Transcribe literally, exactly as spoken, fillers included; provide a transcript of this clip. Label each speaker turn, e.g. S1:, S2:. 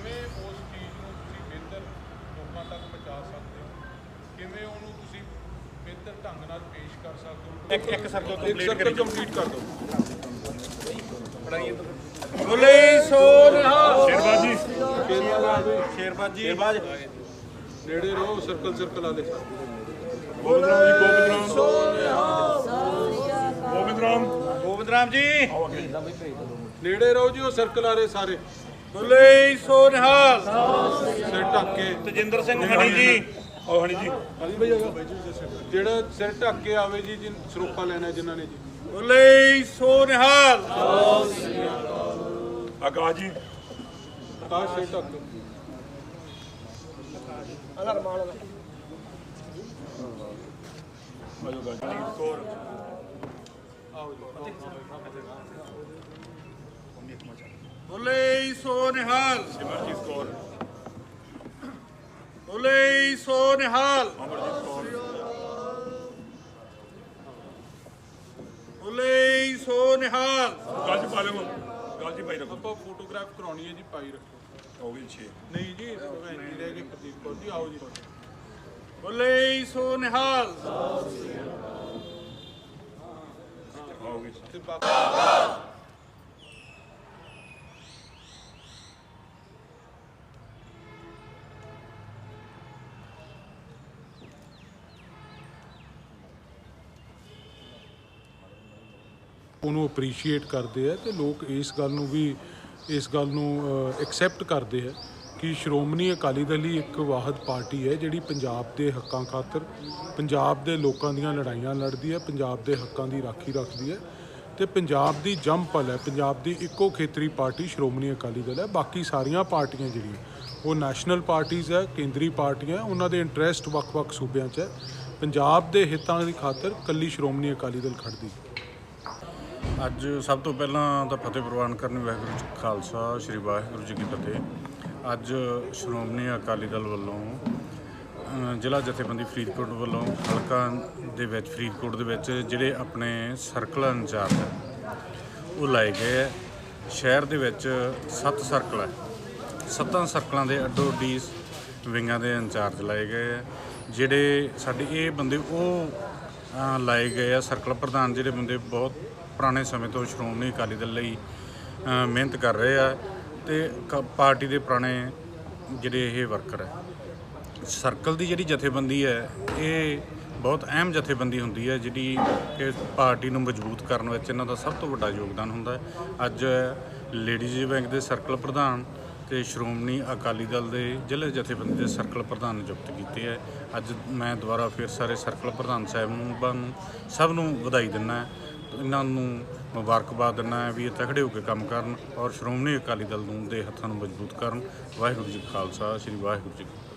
S1: ਕਿਵੇਂ ਉਸ ਚੀਜ਼ ਨੂੰ ਤੁਸੀਂ ਬਿਹਤਰ ਲੋਕਾਂ ਤੱਕ ਪਹੁੰਚਾ ਸਕਦੇ ਹੋ, ਕਿਵੇਂ ਉਹਨੂੰ ਤੁਸੀਂ ਬਿਹਤਰ ਢੰਗ ਨਾਲ ਪੇਸ਼ ਕਰ ਸਕਦੇ ਹੋ। ਇੱਕ ਇੱਕ ਸਰਕਲ ਕੰਪਲੀਟ ਕੰਪਲੀਟ ਕਰ ਦਿਓ। ਬੋਲੇ ਸੋ ਨਿਹਾਲ। ਸ਼ੇਰਬਾਜੀ ਸ਼ੇਰਬਾਜੀ ਸ਼ੇਰਬਾਜ ਨੇੜੇ ਰਹੋ। ਸਰਕਲ ਸਰਕਲ ਆਲੇ ਗੋਬਿੰਦ ਰਾਮ ਜੀ ਗੋਬਿੰਦ ਰਾਮ ਸੋ ਨਿਹਾਲ। ਗੋਬਿੰਦ ਰਾਮ ਗੋਬਿੰਦ ਰਾਮ ਜੀ ਨੇੜੇ ਰਹੋ ਜੀ। ਉਹ ਸਰਕਲ ਆ ਰਹੇ ਸਾਰੇ। ਬੋਲੇ ਸੋ ਨਿਹਾਲ। ਸਿਰ ਢੱਕ ਕੇ ਤਜਿੰਦਰ ਸਿੰਘ ਹਣੀ ਜੀ ਆਓ। ਹਣੀ ਜੀ ਹਣੀ ਭਾਈ ਆਗਾ ਜਿਹੜਾ ਸਿਰ ਢੱਕ ਕੇ ਆਵੇ ਜੀ ਜਿਨ ਸਰੋਪਾ ਲੈਣਾ ਜਿਨ੍ਹਾਂ ਨੇ ਜੀ। ਬੋਲੇ ਸੋ ਨਿਹਾਲ। ਆਕਾਸ਼ ਜੀ ਆਕਾਸ਼ ਸਿਰ ਢੱਕ ਕੇ ਅਗਰ ਮਾਲ ਆਜੋ ਗਾਜੀ ਕੋਰ ਆਓ ਜੀ। ਬੋਲੇ ਸੋ ਨਿਹਾਲ। ਸਿਮਰਜੀਤ ਕੌਰ। ਬੋਲੇ ਸੋ ਨਿਹਾਲ। ਅਮਰਜੀਤ ਕੌਰ। ਬੋਲੇ ਸੋ ਨਿਹਾਲ। ਗੱਲ ਜੀ ਪਾ ਲਓ। ਗੱਲ ਜੀ ਪਾਈ ਰੱਖੋ। ਆਪਾਂ ਫੋਟੋਗ੍ਰਾਫ ਕਰਾਉਣੀ ਹੈ ਜੀ। ਪਾਈ ਰੱਖੋ। ਹੋ ਗਈ ਛੇ ਨਹੀਂ ਜੀ ਭੈਣ ਜੀ ਰਹਿ ਗਏ। ਪ੍ਰਦੀਪ ਕੌਰ ਜੀ ਆਓ ਜੀ। ਬੋਲੇ ਸੋ ਨਿਹਾਲ। ਹੋ ਗਈ ਤੇ ਬਾਕੀ ਉਹਨੂੰ ਅਪਰੀਸ਼ੀਏਟ ਕਰਦੇ ਆ ਤੇ ਲੋਕ ਇਸ ਗੱਲ ਨੂੰ ਵੀ ਇਸ ਗੱਲ ਨੂੰ ਐਕਸੈਪਟ ਕਰਦੇ ਆ ਕਿ ਸ਼੍ਰੋਮਣੀ ਅਕਾਲੀ ਦਲ ਹੀ ਇੱਕ ਵਾਹਦ ਪਾਰਟੀ ਹੈ ਜਿਹੜੀ ਪੰਜਾਬ ਦੇ ਹੱਕਾਂ ਖਾਤਰ ਪੰਜਾਬ ਦੇ ਲੋਕਾਂ ਦੀਆਂ ਲੜਾਈਆਂ ਲੜਦੀ ਹੈ, ਪੰਜਾਬ ਦੇ ਹੱਕਾਂ ਦੀ ਰਾਖੀ ਰੱਖਦੀ ਹੈ ਤੇ ਪੰਜਾਬ ਦੀ ਜੰਮਪਲ ਹੈ। ਪੰਜਾਬ ਦੀ ਇੱਕੋ ਖੇਤਰੀ ਪਾਰਟੀ ਸ਼੍ਰੋਮਣੀ ਅਕਾਲੀ ਦਲ ਹੈ। ਬਾਕੀ ਸਾਰੀਆਂ ਪਾਰਟੀਆਂ ਜਿਹੜੀਆਂ ਉਹ ਨੈਸ਼ਨਲ ਪਾਰਟੀਜ਼ ਹੈ, ਕੇਂਦਰੀ ਪਾਰਟੀਆਂ, ਉਹਨਾਂ ਦੇ ਇੰਟਰਸਟ ਵੱਖ-ਵੱਖ ਸੂਬਿਆਂ 'ਚ ਹੈ। ਪੰਜਾਬ ਦੇ ਹਿੱਤਾਂ ਦੀ ਖਾਤਰ ਇਕੱਲੀ ਸ਼੍ਰੋਮਣੀ ਅਕਾਲੀ ਦਲ ਖੜਦੀ।
S2: ਅੱਜ ਸਭ ਤੋਂ ਪਹਿਲਾਂ ਤਾਂ ਫਤਿਹ ਪ੍ਰਵਾਨ ਕਰਨੀ ਵਾਹਿਗੁਰੂ ਜੀ ਖਾਲਸਾ ਸ੍ਰੀ ਵਾਹਿਗੁਰੂ ਜੀ ਕੀ ਫਤਿਹ। ਅੱਜ ਸ਼੍ਰੋਮਣੀ ਅਕਾਲੀ ਦਲ ਵੱਲੋਂ ਜ਼ਿਲ੍ਹਾ ਜਥੇਬੰਦੀ ਫਰੀਦਕੋਟ ਵੱਲੋਂ ਹਲਕਾ ਦੇ ਵਿੱਚ ਫਰੀਦਕੋਟ ਦੇ ਵਿੱਚ ਜਿਹੜੇ ਆਪਣੇ ਸਰਕਲ ਇੰਚਾਰਜ ਉਹ ਲਾਏ ਗਏ ਹੈ। ਸ਼ਹਿਰ ਦੇ ਵਿੱਚ ਸੱਤ ਸਰਕਲ ਹੈ। ਸੱਤਾਂ ਸਰਕਲਾਂ ਦੇ ਅੱਡੋ ਅੱਡੀ ਵਿੰਗਾਂ ਦੇ ਇੰਚਾਰਜ ਲਾਏ ਗਏ ਹੈ। ਜਿਹੜੇ ਸਾਡੇ ਇਹ ਬੰਦੇ ਉਹ ਲਾਏ ਗਏ ਆ ਸਰਕਲ ਪ੍ਰਧਾਨ ਜਿਹੜੇ ਬੰਦੇ ਬਹੁਤ ਪੁਰਾਣੇ ਸਮੇਂ ਤੋਂ ਸ਼੍ਰੋਮਣੀ ਅਕਾਲੀ ਦਲ ਲਈ ਮਿਹਨਤ ਕਰ ਰਹੇ ਆ ਤੇ ਪਾਰਟੀ ਦੇ ਪੁਰਾਣੇ ਜਿਹੜੇ ਇਹ ਵਰਕਰ ਹੈ। ਸਰਕਲ ਦੀ ਜਿਹੜੀ ਜਥੇਬੰਦੀ ਹੈ ਇਹ ਬਹੁਤ ਅਹਿਮ ਜਥੇਬੰਦੀ ਹੁੰਦੀ ਹੈ ਜਿਹੜੀ ਕਿ ਪਾਰਟੀ ਨੂੰ ਮਜ਼ਬੂਤ ਕਰਨ ਵਿੱਚ ਇਹਨਾਂ ਦਾ ਸਭ ਤੋਂ ਵੱਡਾ ਯੋਗਦਾਨ ਹੁੰਦਾ ਹੈ। ਅੱਜ ਲੇਡੀਜ਼ ਵਿੰਗ ਦੇ ਸਰਕਲ ਪ੍ਰਧਾਨ ਤੇ ਸ਼੍ਰੋਮਣੀ ਅਕਾਲੀ ਦਲ ਦੇ ਜ਼ਿਲ੍ਹੇ ਜਥੇਬੰਦੀ ਦੇ ਸਰਕਲ ਪ੍ਰਧਾਨ ਨਿਯੁਕਤ ਕੀਤੇ ਹੈ। ਅੱਜ ਮੈਂ ਦੁਬਾਰਾ ਫਿਰ ਸਾਰੇ ਸਰਕਲ ਪ੍ਰਧਾਨ ਸਾਹਿਬਾਨ ਨੂੰ ਸਭ ਨੂੰ ਵਧਾਈ ਦਿੰਦਾ, ਇਹਨਾਂ ਨੂੰ ਮੁਬਾਰਕਬਾਦ ਦਿੰਦਾ ਵੀ ਇਹ ਤਕੜੇ ਹੋ ਕੇ ਕੰਮ ਕਰਨ ਔਰ ਸ਼੍ਰੋਮਣੀ ਅਕਾਲੀ ਦਲ ਨੂੰ ਦੇ ਹੱਥਾਂ ਨੂੰ ਮਜ਼ਬੂਤ ਕਰਨ। ਵਾਹਿਗੁਰੂ ਜੀ ਕਾ ਖਾਲਸਾ ਸ੍ਰੀ ਵਾਹਿਗੁਰੂ ਜੀ ਕੀ ਫਤਿਹ।